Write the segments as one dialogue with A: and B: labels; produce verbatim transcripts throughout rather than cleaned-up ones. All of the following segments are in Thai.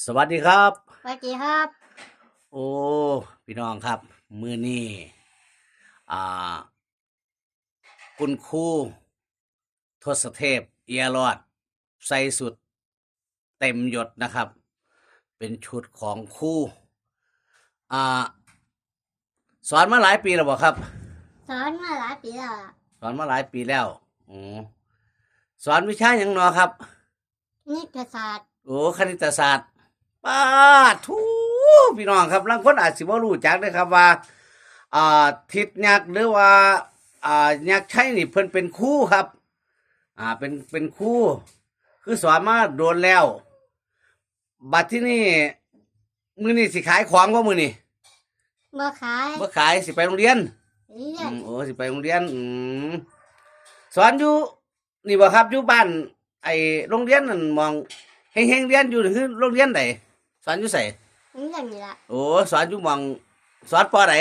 A: สวัสดีครับ
B: สวัสดีครับ
A: โอ้พี่น้องครับมือนี้อ่าคุณครูทศเทพเอียรอดใส่สุดเต็มยศนะครับเป็นชุดของครูอ่าสอนมาหลายปีแล้วบ่ครับ
B: สอนมาหลายปีแล้วล่ะ
A: สอนมาหลายปีแล้วอ๋อสอนวิชาอย่างเนอครับ
B: นิติศาสตร์
A: โอ้คณิตศาสตร์ป้าทูพี่น้องครับบางคนอาจสิบ่รู้จักนะครับว่าอ่าทิศยักษ์หรือว่าอ่ายักษ์ชัยนี่เพิ่นเป็นครูครับอ่าเป็นเป็นครูคือสอนมาโดนแล้วบัดที่นี่มื้อนี้สิขายของบ่มื้อนี้
B: บ่ขาย
A: บ่ขายสิไปโรงเรียน
B: เรีย
A: อื
B: น
A: มโอ้สิไปโรงเรียนอืมสอนอยู่นี่บ่ครับอยู่บ้านไอ้โรงเรียนนั่นมองเฮงๆเรียนอยู่นี่คือโรงเรียนใดสอนอยู่ไส
B: เรียนนี่ล่ะ
A: โอ้สอนอยู่หมองสอนปอไหน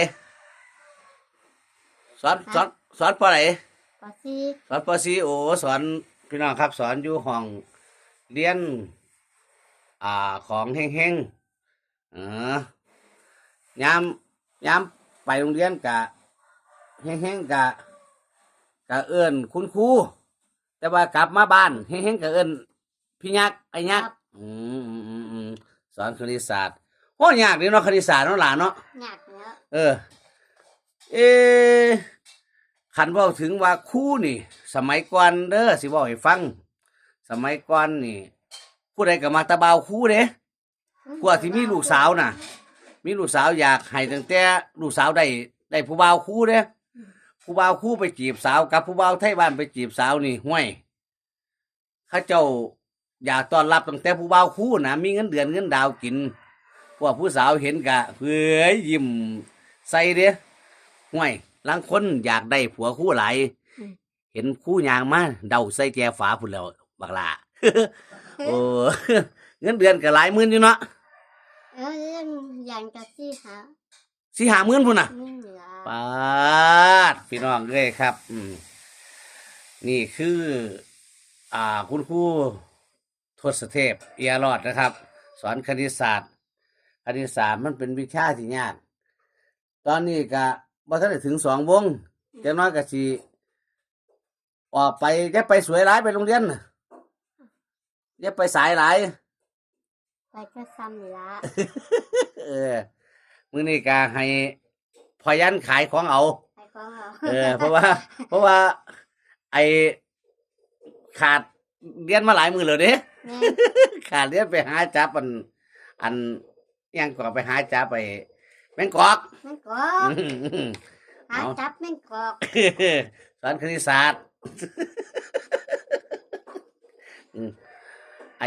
A: สอนสอนสอนปอไหน
B: ปอสี่
A: สอนปอสีโอ้สอนพี่น้องครับสอนอยู่ห้องเรียนอ่าของเฮงเฮงเออยามยามไปโรงเรียนกะเฮงเฮงกะกะเอิ้นคุณครูแต่ว่ากลับมาบ้านเฮงเฮงกะเอิ้นพี่ยักษ์ไอ้ยักษ์อืมอืมอืมอืมสอนคณิตศาสตร์โอ้ยากดีเนาะคณิตศาสตร์เนาะหลานเนาะ
B: ยากแล้ว
A: เออเอขันเว้าถึงว่าครูนี่สมัยก่อนเด้อสิเว้าให้ฟังสมัยก่อนนี่ผู้ใดก็มักตะเบาครูเด้กว่าที่มีลูกสาวน่ะมีลูกสาวอยากให้ตั้งแต่ลูกสาวได้ได้ผู้บ่าวครูเด้ผู้บ่าวครูไปจีบสาวกับผู้บ่าวไทยบ้านไปจีบสาวนี่ห้วยเขาเจ้าอยากต้อนรับตั้งแต่ผู้บ่าวครูน่ะมีเงินเดือนเงินดาวกินพวกผู้สาวเห็นกะเพื่อยิ้มใส่เด้ห้วยลางคนอยากได้ผัวคู่หลายเห็นคู่ยางมาเดาใส่แจฝาพุ่นแล้วบักลา โอ้เงินเดือนก็หลายหมื่นอยู่เนาะ
B: เออเรียนอย่างกับที่หา
A: สี่ห้าหมื่นพุ่นน่ะ
B: ไม่เหลือ
A: ปาดพี่น้องเลยครับ อืมนี่คือ อ่าคุณครูทศเทพเอียรอดนะครับ สอนคณิตศาสตร์คณิตศาสตร์มันเป็นวิชาที่ยากตอนนี้ก็บ่ทันได้ถึงสองวงจังน้อยก็สิออกไปจะไปสวยหลายไปโรงเรียนน่ะอย่าไปสายหลาย
B: ไปก็ซ้ำนี่ละ
A: เออมื้อนี้ก็ให้พอยันขายของเอา
B: ไปของเรา
A: เออ เพราะว่า เพราะว่า ไอขาดเรียนมาหลายมื้อแล้วเด้
B: แม่
A: ขาดเรียนไปหาจับอัน อันอิหยังก็ไปหาจับไปแมงกอก
B: แม่งกอกหา
A: เอา
B: จับแม่งกอก
A: สอนคณิตศาสตร์ อืมไอ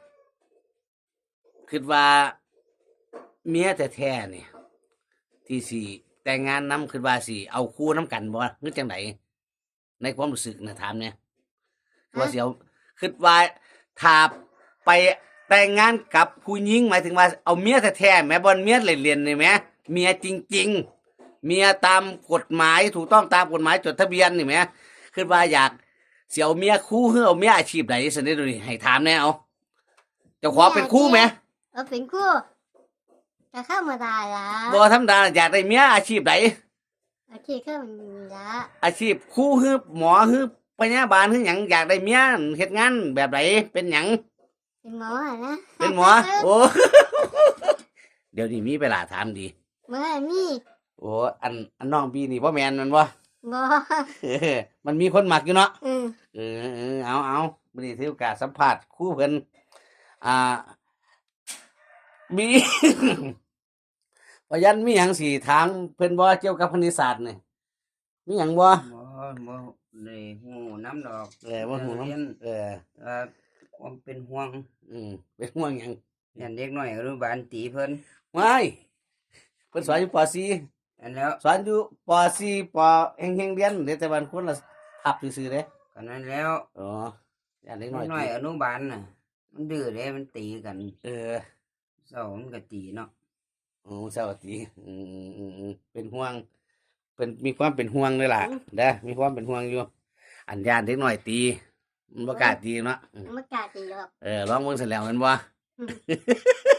A: คิดว่าเมียแท้ๆนี่ที่สิแต่งงานนํคิดว่าสิเอาคู่นํกันบ่หรือจังไดในความรู้สึกนะถามเนี่ยว่าสิเอาคิดว่าถ้าไปแต่งงานกับผู้หญิงหมายถึงว่าเอาเมียแท้ๆแม่บ่เมียเล่นๆนี่แหมเมียจริงๆเมียตามกฎหมายถูกต้องตามกฎหมายจดทะเบียนนี่แหมคิดว่าอยากสิเอาเมียคู่หรือเอาเมียอาชีพใดซั่นเด้อนี่ให้ถามแน่เอาเจ้าของเป็นคู่แหม
B: เออเป็นคู่จะเข้ามาได้ละ
A: บ่ธรรมดาอยากได้เมียอาชีพใด
B: โอเคเข้ามาละ
A: อาชีพครูคือหมอคือพยาบาลคือหยังอยากได้เมียเฮ็ดงานแบบใดเป็นหยัง
B: เป็นหมออะนะ
A: เป็นหมอโอ้ เดี๋ยวนี้มีเวลาถามดี
B: เมื่อมี
A: โอ้อันอันน้องพี่นี่บ่แม่นมันบ่
B: บ่
A: เออมันมีคนมักอยู่เนาะ
B: อืม
A: เออเออเอาเอามื้อนี้ถือโอกาสสัมภาษณ์ครูเพิ่นอ่ามี พยันมีหยังสิถามเพิ่นบ่เกี่ยวกับคณิตศาสตร์นี่มีหยังบ่
C: บ่บ่ได้ฮู้นำดอก
A: เออบ่ฮู้
C: เรียน
A: นำเออ
C: เอ่อความเป็นห่วง
A: อืมเป็นห่วงหยัง
C: ยันเด็กน้อยอนุบาลตีเพิ่น
A: ไม่เพิ่นสอนอยู่ป .สี่
C: อันแล้ว
A: สอนอยู่ป .สี่ ปเฮงๆเรียนเดี๋ยวแต่วันคนละทับซื่อๆเด้
C: กันนั้นแล้ว
A: อ๋ออย่าเล็ก
C: เด็
A: น้อย
C: กน้อย
A: ติ
C: อนุบาลน่ะ มันดื้อเด้มันตีกัน
A: เออ
C: เช้ามันก็ตีเนาะ
A: โอ้สวัสดีอืมๆๆเป็นห่วงเป็นมีความเป็นห่วงเลยล่ะเด้อมีความเป็นห่วงอยู่อันยานเด็กน้อยตีมันบ่กล้าตีเนาะอืม
B: ไม่กล้าตีหรอก
A: เออลองเบิ่งเสร็จแล้วแม่นบ่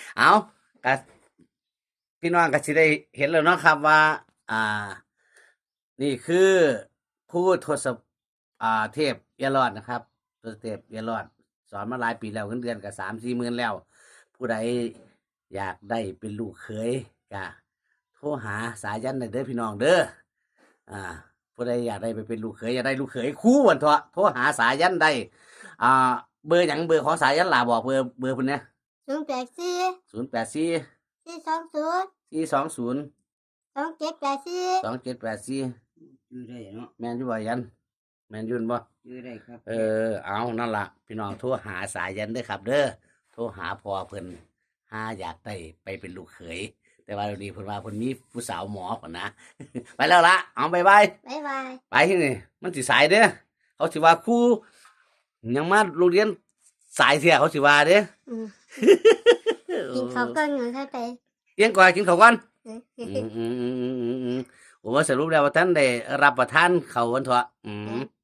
A: เอาก็พี่น้องก็สิได้เห็นแล้วเนาะครับว่า อ่า นี่คือผู้ทศอ่าเทพเอรอดนะครับทศเทพเอรอดสอนมาหลายปีแล้วเงินเดือนก็สามสี่หมื่นแล้ว ผู้ใดอยากได้เป็นลูกเขยก็โทรหาสายันได้เด้อพี่น้องเด้ออ่า ผู้ใดอยากได้ไปเป็นลูกเขยอยากได้ลูกเขยคู่วันเถอะโทรหาสายันได้อ่า เบอร์หยังเบอร์ของสายันล่ะบอกเบอร์เบอร์เพิ่นเนี่ย
B: ศูนย์แปดสี่
A: ศูนย์แปดสี่
B: สี่สองศูนย์
A: สี่สองศูนย์
B: สองเจ็ดแปดสี่
A: สองเจ็ดแปดสี่
C: อยู่ได้เนาะ
A: แมนอยู่บ่ยันแมนอยืนบ่
C: อยู่ได้ครับ
A: เออเอานั่นล่ะพี่น้องโทรหาสายันเด้อครับ เด้อโทรหาพ่อเพิ่นหาอยากได้ไปเป็นลูกเขยแต่ว่าเดี๋ยวนี้เพิ่นว่าเพิ่นมีผู้สาวหมอก่อนนะ ไปแล้วละเอาบายบาย
B: บ๊ายบาย
A: ไปที่นี่มันสิสายเด้อเขาสิว่าครูยังมาโรงเรียนสายเสียเขาสิว่าเด้อ
B: อืมกินข้าวก่อนหนูเข้าไป
A: เลี้ยงก่อนกินข้าวก่อน
B: เออ
A: อืมอืมอืมอืมอืมโอ้สรุปแล้วว่าท่านได้รับประทานเขาววันเถอะอืม